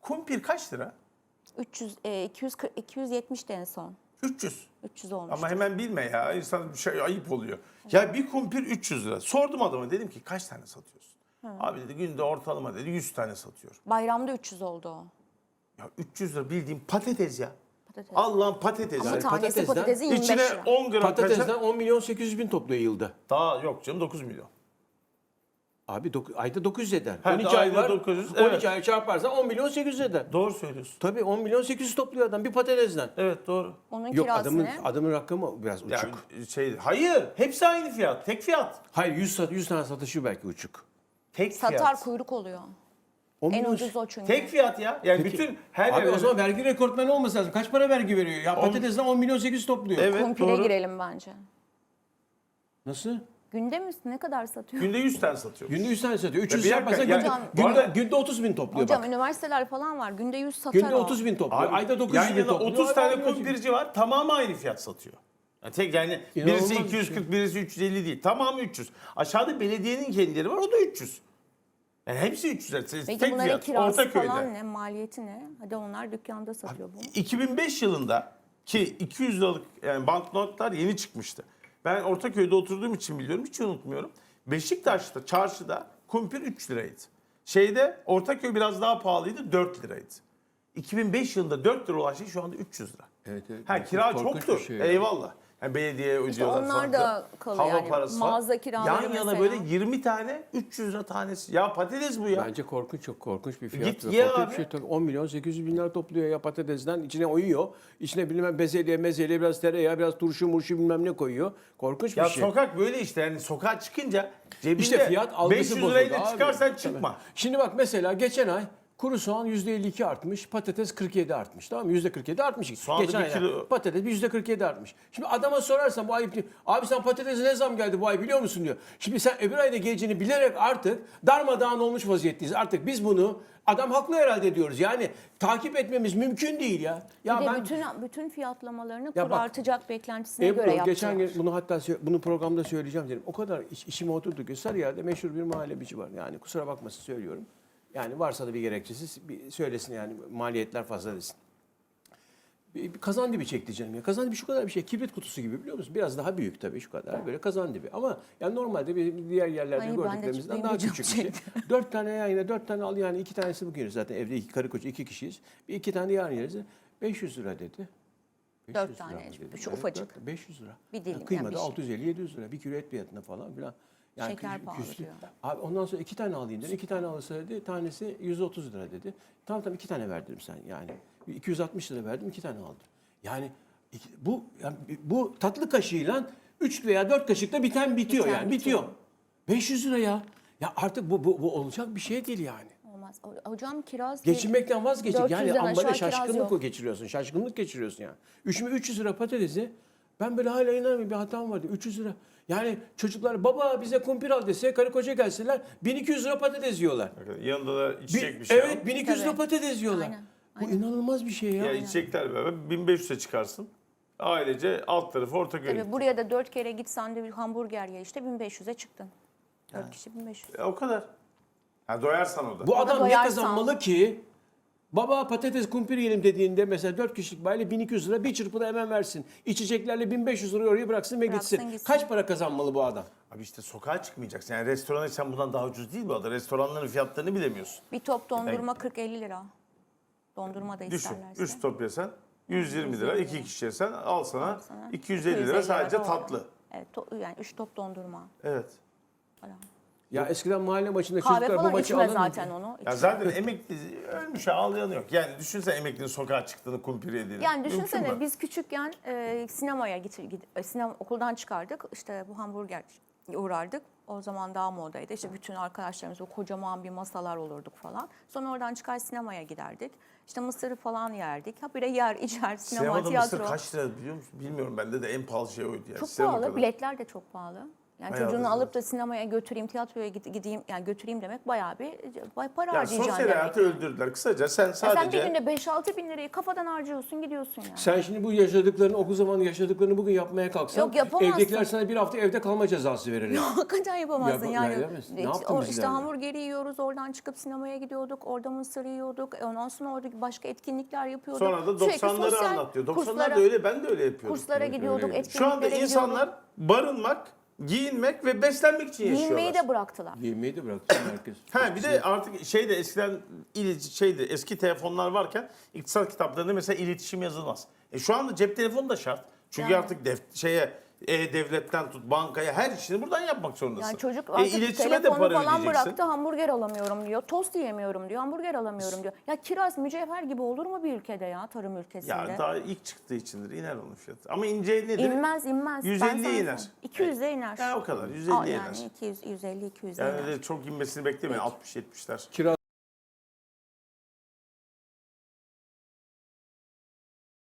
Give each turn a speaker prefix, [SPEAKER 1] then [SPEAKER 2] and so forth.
[SPEAKER 1] Kumpir kaç lira?
[SPEAKER 2] 270'ti en son.
[SPEAKER 1] 300.
[SPEAKER 2] 300 olmuş.
[SPEAKER 1] Ama hemen bilme ya. İnsan bir şey ayıp oluyor. Ya bir kumpir 300 lira. Sordum adama, dedim ki kaç tane satıyorsun? Abi dedi günde ortalama dedi 100 tane satıyor.
[SPEAKER 2] Bayramda 300 oldu o.
[SPEAKER 1] Ya 300 lira bildiğim patates ya.
[SPEAKER 2] Patates.
[SPEAKER 1] Allah'ın patatesi.
[SPEAKER 2] Ama tanesi
[SPEAKER 3] patatesten-
[SPEAKER 2] patatesi 25
[SPEAKER 1] İçine
[SPEAKER 2] lira.
[SPEAKER 1] 10 gram
[SPEAKER 3] Patatesten
[SPEAKER 1] kaşar.
[SPEAKER 3] 10 milyon 800 bin topluyor yılda.
[SPEAKER 1] Daha yok canım, 9 milyon.
[SPEAKER 3] Abi ayda 900 eder.
[SPEAKER 1] Ha,
[SPEAKER 3] 12 ay
[SPEAKER 1] ayda
[SPEAKER 3] var.
[SPEAKER 1] 900,
[SPEAKER 3] 12
[SPEAKER 1] evet.
[SPEAKER 3] ay çarparsan 10 milyon 800 eder.
[SPEAKER 1] Doğru söylüyorsun.
[SPEAKER 3] Tabii 10 milyon 800 topluyor adam bir patatesten.
[SPEAKER 1] Evet doğru.
[SPEAKER 2] Onun
[SPEAKER 3] Yok
[SPEAKER 2] kirası ne?
[SPEAKER 3] adamın rakamı biraz uçuk.
[SPEAKER 1] Yani hayır, hepsi aynı fiyat. Tek fiyat.
[SPEAKER 3] Hayır 100 tane satışı belki uçuk.
[SPEAKER 1] Tek
[SPEAKER 2] Satar
[SPEAKER 1] fiyat.
[SPEAKER 2] kuyruk oluyor.
[SPEAKER 3] 10
[SPEAKER 2] En
[SPEAKER 3] milyon.
[SPEAKER 2] ucuz o çünkü.
[SPEAKER 1] Tek fiyat ya. Yani
[SPEAKER 3] Peki.
[SPEAKER 1] bütün her
[SPEAKER 3] Abi
[SPEAKER 1] eve-
[SPEAKER 3] o zaman vergi rekortmeni olması lazım. Kaç para vergi veriyor? Ya patatesten 10 milyon 800 topluyor.
[SPEAKER 1] Evet
[SPEAKER 2] Kumpire
[SPEAKER 1] doğru.
[SPEAKER 2] girelim bence.
[SPEAKER 3] Nasıl?
[SPEAKER 2] Günde mi ne kadar satıyor?
[SPEAKER 1] Günde 100 tane satıyor.
[SPEAKER 3] Günde 100 tane satıyor. 300
[SPEAKER 1] bir
[SPEAKER 3] yaparsan
[SPEAKER 1] dakika,
[SPEAKER 3] günde,
[SPEAKER 1] yani
[SPEAKER 2] bu
[SPEAKER 3] günde,
[SPEAKER 1] arada-
[SPEAKER 3] günde 30 bin topluyor
[SPEAKER 2] Hocam
[SPEAKER 3] bak.
[SPEAKER 2] üniversiteler falan var. Günde 100 satar
[SPEAKER 3] Günde
[SPEAKER 2] o.
[SPEAKER 3] 30 bin topluyor.
[SPEAKER 1] Abi,
[SPEAKER 3] Ayda 900
[SPEAKER 1] yan
[SPEAKER 3] bin
[SPEAKER 1] yana
[SPEAKER 3] topluyor.
[SPEAKER 1] 30 tane
[SPEAKER 3] Ayda 100 bin.
[SPEAKER 1] kumpirci var. Tamamı aynı fiyat satıyor. Yani tek yani
[SPEAKER 3] İnanılmaz
[SPEAKER 1] birisi
[SPEAKER 3] bir
[SPEAKER 1] 240, birisi 350 değil. Tamamı 300. Aşağıda belediyenin kendileri var. O da 300. Yani hepsi 300.
[SPEAKER 2] Peki
[SPEAKER 1] Tek
[SPEAKER 2] bunların
[SPEAKER 1] fiyat.
[SPEAKER 2] kirası
[SPEAKER 1] Ortaköy'de.
[SPEAKER 2] falan ne? Maliyeti ne? Hadi onlar dükkanda satıyor bunu.
[SPEAKER 1] 2005 yılında ki 200 liralık yani banknotlar yeni çıkmıştı. Ben Ortaköy'de oturduğum için biliyorum, hiç unutmuyorum. Beşiktaş'ta, çarşıda kumpir 3 liraydı. Ortaköy biraz daha pahalıydı, 4 liraydı. 2005 yılında 4 lira olan şey şu anda 300 lira.
[SPEAKER 3] Evet, evet.
[SPEAKER 1] Ha, kira
[SPEAKER 3] Korkunç bir
[SPEAKER 1] çoktur.
[SPEAKER 3] şey ya.
[SPEAKER 1] Eyvallah. Yani belediyeye ödüyorlar
[SPEAKER 2] onlar
[SPEAKER 1] falan.
[SPEAKER 2] da kalıyor
[SPEAKER 1] Hava
[SPEAKER 2] yani.
[SPEAKER 1] parası falan.
[SPEAKER 2] Mağaza kiraları
[SPEAKER 1] Yan yana
[SPEAKER 2] mesela.
[SPEAKER 1] böyle 20 tane 300 lira tanesi. Ya patates bu ya.
[SPEAKER 3] Bence korkunç, çok korkunç bir fiyat.
[SPEAKER 1] Git
[SPEAKER 3] Korkunç
[SPEAKER 1] ye
[SPEAKER 3] bir
[SPEAKER 1] abi.
[SPEAKER 3] şey. Tabii 10 milyon 800 bin lira topluyor ya patatesten. İçine oyuyor. İçine bilmem bezelye, mezelye, biraz tereyağı, biraz turşu, murşu bilmem ne koyuyor. Korkunç bir
[SPEAKER 1] Ya
[SPEAKER 3] şey.
[SPEAKER 1] sokak böyle işte, yani sokağa çıkınca cebinde
[SPEAKER 3] İşte fiyat algısı
[SPEAKER 1] 500
[SPEAKER 3] bozuldu
[SPEAKER 1] lirayla
[SPEAKER 3] abi.
[SPEAKER 1] çıkarsan
[SPEAKER 3] Tabii.
[SPEAKER 1] çıkma.
[SPEAKER 3] Şimdi bak mesela geçen ay kuru soğan %52 artmış, patates 47 artmış. Tamam mı? %47 artmış.
[SPEAKER 1] Soğan da
[SPEAKER 3] Geçen
[SPEAKER 1] bir
[SPEAKER 3] ay
[SPEAKER 1] kilo-
[SPEAKER 3] patates bir %47 artmış. Şimdi adama sorarsan bu ay abi sen patatese ne zam geldi bu ay biliyor musun diyor. Şimdi sen öbür ayda geleceğini bilerek artık darmadağın olmuş vaziyetteyiz. Artık biz bunu adam haklı herhalde diyoruz. Yani takip etmemiz mümkün değil ya. Ya
[SPEAKER 2] Bir de
[SPEAKER 3] ben
[SPEAKER 2] bütün fiyatlamalarını
[SPEAKER 3] Ya
[SPEAKER 2] kur
[SPEAKER 3] bak,
[SPEAKER 2] artacak beklentisine
[SPEAKER 3] Ebru,
[SPEAKER 2] göre yaptılar.
[SPEAKER 3] geçen gün bunu hatta bunu programda söyleyeceğim dedim. O kadar işime oturdu ki Sarıyer'de meşhur bir muhallebici var. Yani kusura bakmasın söylüyorum. Yani varsa da bir gerekçesi bir söylesin yani maliyetler fazla desin. Bir kazandibi çekti canım ya. Kazandibi şu kadar bir şey. Kibrit kutusu gibi biliyor musun? Biraz daha büyük tabii şu kadar. Böyle kazandibi. Ama yani normalde diğer yerlerde
[SPEAKER 2] Ay, ben de
[SPEAKER 3] gördüklerimizden daha
[SPEAKER 2] benim de
[SPEAKER 3] küçük
[SPEAKER 2] çok
[SPEAKER 3] bir şey. 4 tane yani 4 tane al yani 2 tanesi bugün yeriz zaten evde karı koca 2 kişiyiz. Bir 2 tane yarın yeriz. 500 lira dedi.
[SPEAKER 2] 4
[SPEAKER 3] 500 lira
[SPEAKER 2] tane,
[SPEAKER 3] mı dedi?
[SPEAKER 2] şu ufacık.
[SPEAKER 3] 500 lira.
[SPEAKER 2] Bir dilim,
[SPEAKER 3] Kıymada
[SPEAKER 2] yani bir şey.
[SPEAKER 3] 650-700 lira. Bir kilo et fiyatına falan filan. Yani
[SPEAKER 2] Şeker pahalı diyor.
[SPEAKER 3] Abi ondan sonra 2 tane alayım dedi. 2 tane alırsa dedi. Tanesi 130 lira dedi. Tamam 2 tane ver dedim sen yani. 260 lira verdim 2 tane aldım. Yani bu tatlı kaşığıyla 3 veya 4 kaşıkta bitiyor
[SPEAKER 2] Bitiyor.
[SPEAKER 3] yani bitiyor. 500 lira ya. Ya artık bu olacak bir şey değil yani.
[SPEAKER 2] Olmaz. Hocam kiraz...
[SPEAKER 3] Geçinmekten vazgeçtik.
[SPEAKER 2] 400
[SPEAKER 3] Yani
[SPEAKER 2] lira
[SPEAKER 3] ambale
[SPEAKER 2] aşağı kiraz
[SPEAKER 3] şaşkınlık
[SPEAKER 2] yok.
[SPEAKER 3] geçiriyorsun. Şaşkınlık geçiriyorsun yani. 300 lira patatesi ben böyle hala inanamıyorum bir hatam vardı. 300 lira. Yani çocuklar baba bize kumpir al dese karı koca gelseler 1200 lira patates yiyorlar.
[SPEAKER 1] Yanında da içecek bir şey
[SPEAKER 3] Evet
[SPEAKER 1] al.
[SPEAKER 3] 1200 lira
[SPEAKER 2] Tabii.
[SPEAKER 3] patates yiyorlar.
[SPEAKER 2] Aynen,
[SPEAKER 3] Bu inanılmaz bir şey ya.
[SPEAKER 1] Ya içecekler beraber 1500'e çıkarsın. Ailece alt tarafı Ortaköy'e
[SPEAKER 2] Tabii
[SPEAKER 1] gittik.
[SPEAKER 2] buraya da 4 kere gitsen de bir hamburger ye işte 1500'e çıktın. 4 kişi 1500.
[SPEAKER 1] O kadar. Ha, doyarsan o da.
[SPEAKER 3] Bu adam ne
[SPEAKER 2] doyarsan-
[SPEAKER 3] kazanmalı ki? Baba patates kumpir yiyelim dediğinde mesela 4 kişilik bayla 1200 lira bir çırpıda hemen versin. İçeceklerle 1500 lirayı oraya bıraksın ve gitsin.
[SPEAKER 2] Gitsin.
[SPEAKER 3] Kaç para kazanmalı bu adam?
[SPEAKER 1] Abi işte sokağa çıkmayacaksın. Yani restorana sen bundan daha ucuz değil bu arada. Restoranların fiyatlarını bilemiyorsun.
[SPEAKER 2] Bir top dondurma 40-50 lira. Dondurma da
[SPEAKER 1] Düşün.
[SPEAKER 2] isterlerse.
[SPEAKER 1] 3 top yesen 120 lira. 2 kişi yesen al sana
[SPEAKER 2] sana
[SPEAKER 1] 250 lira sadece
[SPEAKER 2] doğru.
[SPEAKER 1] tatlı.
[SPEAKER 2] Evet yani 3 top dondurma.
[SPEAKER 1] Evet.
[SPEAKER 2] Falan.
[SPEAKER 3] Ya eskiden mahalle maçında
[SPEAKER 2] Kahve
[SPEAKER 3] çocuklar bu
[SPEAKER 2] falan
[SPEAKER 3] maçı
[SPEAKER 2] içme
[SPEAKER 3] alır
[SPEAKER 2] zaten onu.
[SPEAKER 1] Ya
[SPEAKER 2] İçme.
[SPEAKER 1] zaten emekli ölmüş ağlayanı yok. Yani düşünsene emeklinin sokağa çıktığını, kumpir yediğini.
[SPEAKER 2] Yani
[SPEAKER 1] Mümkün
[SPEAKER 2] düşünsene
[SPEAKER 1] mü?
[SPEAKER 2] biz küçükken sinemaya okuldan çıkardık. İşte bu hamburger uğrardık. O zaman daha modaydı. İşte bütün arkadaşlarımız o kocaman bir masalar olurduk falan. Sonra oradan çıkar sinemaya giderdik. İşte mısırı falan yerdik. Ha böyle yer, içer, sinema,
[SPEAKER 1] Sinemada
[SPEAKER 2] tiyatro.
[SPEAKER 1] mısır kaç lira biliyor musun? Bilmiyorum, bende de en pahalı şey oydu. Yani.
[SPEAKER 2] Çok
[SPEAKER 1] Sinema
[SPEAKER 2] pahalı.
[SPEAKER 1] kadar.
[SPEAKER 2] Biletler de çok pahalı. Yani
[SPEAKER 1] Bayağı
[SPEAKER 2] çocuğunu
[SPEAKER 1] da
[SPEAKER 2] alıp da sinemaya götüreyim, tiyatroya gideyim, yani götüreyim demek bayağı bir para
[SPEAKER 1] Ya
[SPEAKER 2] harcayacaksın
[SPEAKER 1] sosyal
[SPEAKER 2] demek.
[SPEAKER 1] hayatı öldürdüler. Kısaca sen
[SPEAKER 2] Ya sen
[SPEAKER 1] sadece...
[SPEAKER 2] bir günde 5-6 bin lirayı kafadan harcıyorsun, gidiyorsun yani.
[SPEAKER 3] Sen şimdi bu yaşadıklarını, okul zamanı yaşadıklarını bugün yapmaya kalksan,
[SPEAKER 2] Yok, yapamazsın.
[SPEAKER 3] evdekiler sana bir hafta evde kalma cezası verirler.
[SPEAKER 2] Hakikaten yapamazsın yani.
[SPEAKER 3] edemezsin. Ne yaptın biz
[SPEAKER 2] işte
[SPEAKER 3] yani?
[SPEAKER 2] hamburgeri yiyoruz, oradan çıkıp sinemaya gidiyorduk, orada mısır yiyorduk. Ondan sonra orada başka etkinlikler yapıyorduk.
[SPEAKER 1] Sonra da
[SPEAKER 2] Sürekli
[SPEAKER 1] 90'ları
[SPEAKER 2] sosyal
[SPEAKER 1] anlatıyor. 90'lar
[SPEAKER 2] kurslara-
[SPEAKER 1] da öyle, ben de öyle yapıyordum.
[SPEAKER 2] Kurslara gidiyorduk,
[SPEAKER 3] öyleydi.
[SPEAKER 2] etkinliklere
[SPEAKER 1] Şu anda
[SPEAKER 2] gidiyorduk.
[SPEAKER 1] insanlar barınmak, giyinmek ve beslenmek için yaşıyorlar.
[SPEAKER 2] Giyinmeyi de bıraktılar.
[SPEAKER 3] Yemeği de bıraktı herkes.
[SPEAKER 1] Ha bir de artık şeyde eskiden eski telefonlar varken iktisat kitaplarında mesela iletişim yazılmaz. Şu anda cep telefonu da şart. Çünkü
[SPEAKER 2] Yani.
[SPEAKER 1] artık devletten tut bankaya her işini buradan yapmak zorundasın.
[SPEAKER 2] Yani çocuk artık
[SPEAKER 1] iletişime de
[SPEAKER 2] telefonu
[SPEAKER 1] para
[SPEAKER 2] falan
[SPEAKER 1] ödeyeceksin.
[SPEAKER 2] bıraktı, hamburger alamıyorum diyor, tost yiyemiyorum diyor, hamburger alamıyorum diyor. Ya kiraz, mücevher gibi olur mu bir ülkede ya, tarım ülkesinde?
[SPEAKER 1] Ya daha ilk çıktığı içindir, iner onun fiyatı. Ama ince nedir?
[SPEAKER 2] İnmez.
[SPEAKER 1] 150
[SPEAKER 2] Ben sana
[SPEAKER 1] iner.
[SPEAKER 2] söyleyeyim. 200'e iner.
[SPEAKER 1] Ya o kadar, 150 iner.
[SPEAKER 2] Yani 200, 150, 200'e
[SPEAKER 1] Yani
[SPEAKER 2] iner.
[SPEAKER 1] öyle çok inmesini beklemeyin, 60-70'ler.
[SPEAKER 3] Kiraz